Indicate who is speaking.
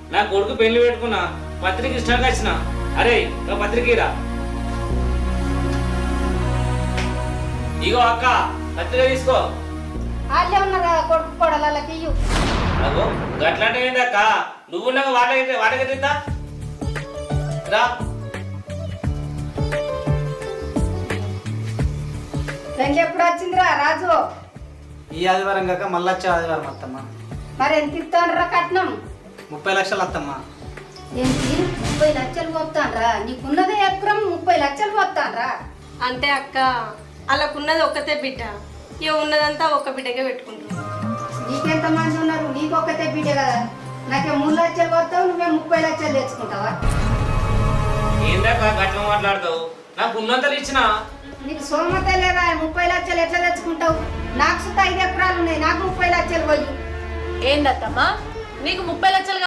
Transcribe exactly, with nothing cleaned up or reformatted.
Speaker 1: నా కొడుకు పెళ్లి పెట్టుకున్నా పత్రిక ఇష్టంగా వచ్చిన. అరే ఒక పత్రికరా. ఇగో అక్క పత్రిక తీసుకో.
Speaker 2: వాళ్ళే ఉన్నారా కొడుకు కొడలకి ఇయ్యు.
Speaker 1: అగో గట్లాంటి ఏంది అక్క, నువ్వున్నాక వాటకి వాటకెత్తా రా.
Speaker 2: పెళ్లి ఎప్పుడు వచ్చిందిరా రాజు?
Speaker 3: ఈ ఆదివారం కాక మళ్ళీ వచ్చే ఆదివారం అత్తమ్మ.
Speaker 2: మరి ఎంత ఇస్తానరా కట్నం?
Speaker 3: ముప్పై లక్షలు అత్తమ్మ.
Speaker 2: ఏంటి ముప్పై లక్షలు పోతానరా? నీకున్నదే ఎకరం ముప్పై లక్షలు పోతానరా?
Speaker 4: అంతే అక్క, అలాకున్నది ఒక్కతే బిడ్డ, ఇక ఉన్నదంతా ఒక్క బిడ్డకే పెట్టుకుంటారు.
Speaker 2: నీకెంత మంది ఉన్నారు? నీకు ఒక్కతే బిడ్డ కదా. నాకే మూడు లక్షలు పోతావు, నువ్వే ముప్పై లక్షలు తెచ్చుకుంటావా?
Speaker 1: ఏందక్క గట్ల మాట్లాడతావు? నాకు ఉన్నంతలు ఇచ్చిన.
Speaker 2: నీకు సోమత లేదా? ముప్పై లక్షలు ఎట్లా తెచ్చుకుంటావు? నాకు సుత ఐదు ఎకరాలు ఉన్నాయి, నాకు ముప్పై లక్షలు పోయి.
Speaker 5: ఏందత్తమ్మా నీకు ముప్పై లక్షలు